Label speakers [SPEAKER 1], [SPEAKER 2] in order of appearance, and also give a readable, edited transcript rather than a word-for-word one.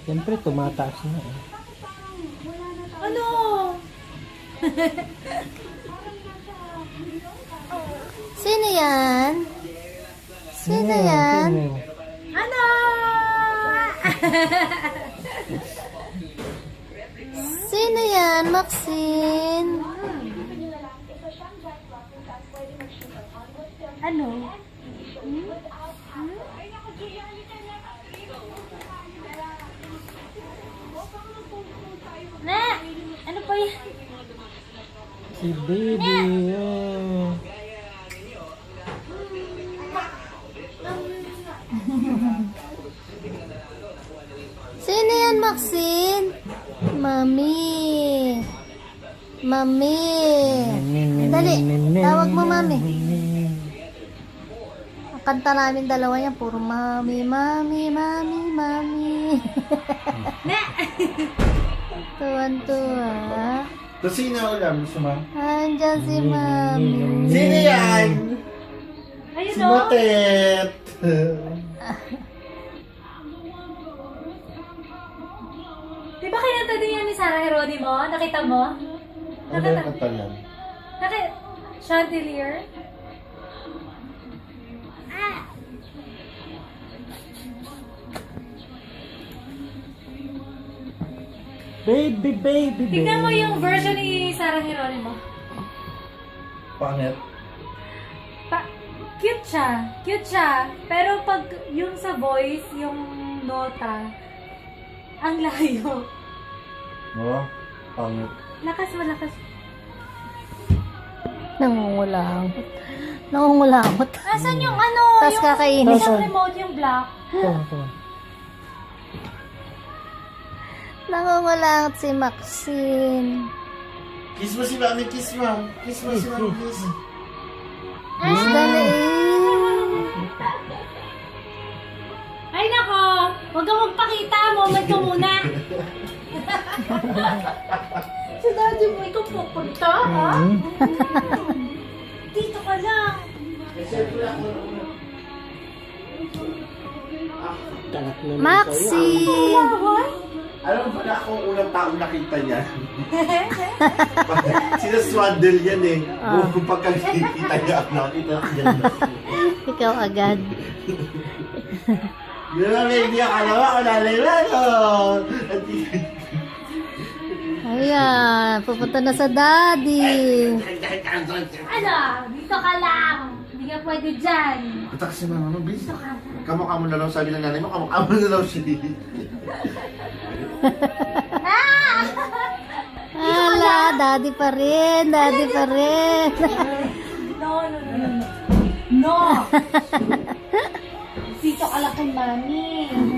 [SPEAKER 1] Siyempre, tumataas na eh.
[SPEAKER 2] Ano?
[SPEAKER 3] Sino yan? Sino yan?
[SPEAKER 1] Sino?
[SPEAKER 2] Ano?
[SPEAKER 3] Sino yan, Maxine?
[SPEAKER 2] Ano? Na! Ano pa yan?
[SPEAKER 1] Si baby. Oh.
[SPEAKER 3] Sino yan, Maxine? Mami. Mami. Dali, tawag mo, Mami. Ang kanta namin dalawa yan, puro Mami, Mami, Mami, Mami.
[SPEAKER 2] Na!
[SPEAKER 3] Tuwan-tuwa.
[SPEAKER 4] Kusina ulam, gusto mo?
[SPEAKER 3] Andyan si Mami.
[SPEAKER 4] Sino yan?
[SPEAKER 2] Ayun
[SPEAKER 4] Si
[SPEAKER 2] o.
[SPEAKER 4] Motet.
[SPEAKER 2] Di ba kinanta din yan ni Sarah Geronimo? Nakita mo?
[SPEAKER 4] Ano yung kanta yan?
[SPEAKER 2] Chandelier?
[SPEAKER 1] Baby, baby, baby.
[SPEAKER 2] Tignan mo yung version ni Sarah Geronimo.
[SPEAKER 4] Pangit.
[SPEAKER 2] Cute siya. Cute siya. Pero pag yung sa voice, yung nota, ang layo.
[SPEAKER 4] Oh, pangit.
[SPEAKER 2] Lakas malakas.
[SPEAKER 3] Nangungulangot. Nangungulangot.
[SPEAKER 2] Asan yung ano?
[SPEAKER 3] Tas
[SPEAKER 2] yung,
[SPEAKER 3] kakainis.
[SPEAKER 2] Yung remote, yung black.
[SPEAKER 1] Ito.
[SPEAKER 3] Nangungulangot si Maxine.
[SPEAKER 4] Kiss mo si Mami, kiss mo. Kiss mo si Mami, kiss.
[SPEAKER 3] Miss Dali.
[SPEAKER 2] Ay nako! Huwag kang magpakita. Moment ko muna. Si daddy mo, ikaw pupunta, ha? Dito ka lang.
[SPEAKER 1] Tanak naman
[SPEAKER 3] Maxine.
[SPEAKER 2] Laway?
[SPEAKER 4] Alam mo pala akong unang taong nakita niya. Sinaswaddle yan eh. Kung pagkakita niya ako, nakita ko yan.
[SPEAKER 3] Ikaw agad.
[SPEAKER 4] Di ba, baby, akala mo ako nalala.
[SPEAKER 3] Ayan, pupunta na sa daddy.
[SPEAKER 2] Ano? Dito ka lang. Hindi ka pwede dyan.
[SPEAKER 4] Patak si Mama, no, bis. Kamukha mo na lang, sabi ng nanay mo, kamukha mo na lang siya.
[SPEAKER 3] Ala, daddy pa rin, daddy pa rin.
[SPEAKER 2] No, no, no, no. No! Dito ka lang kay mami.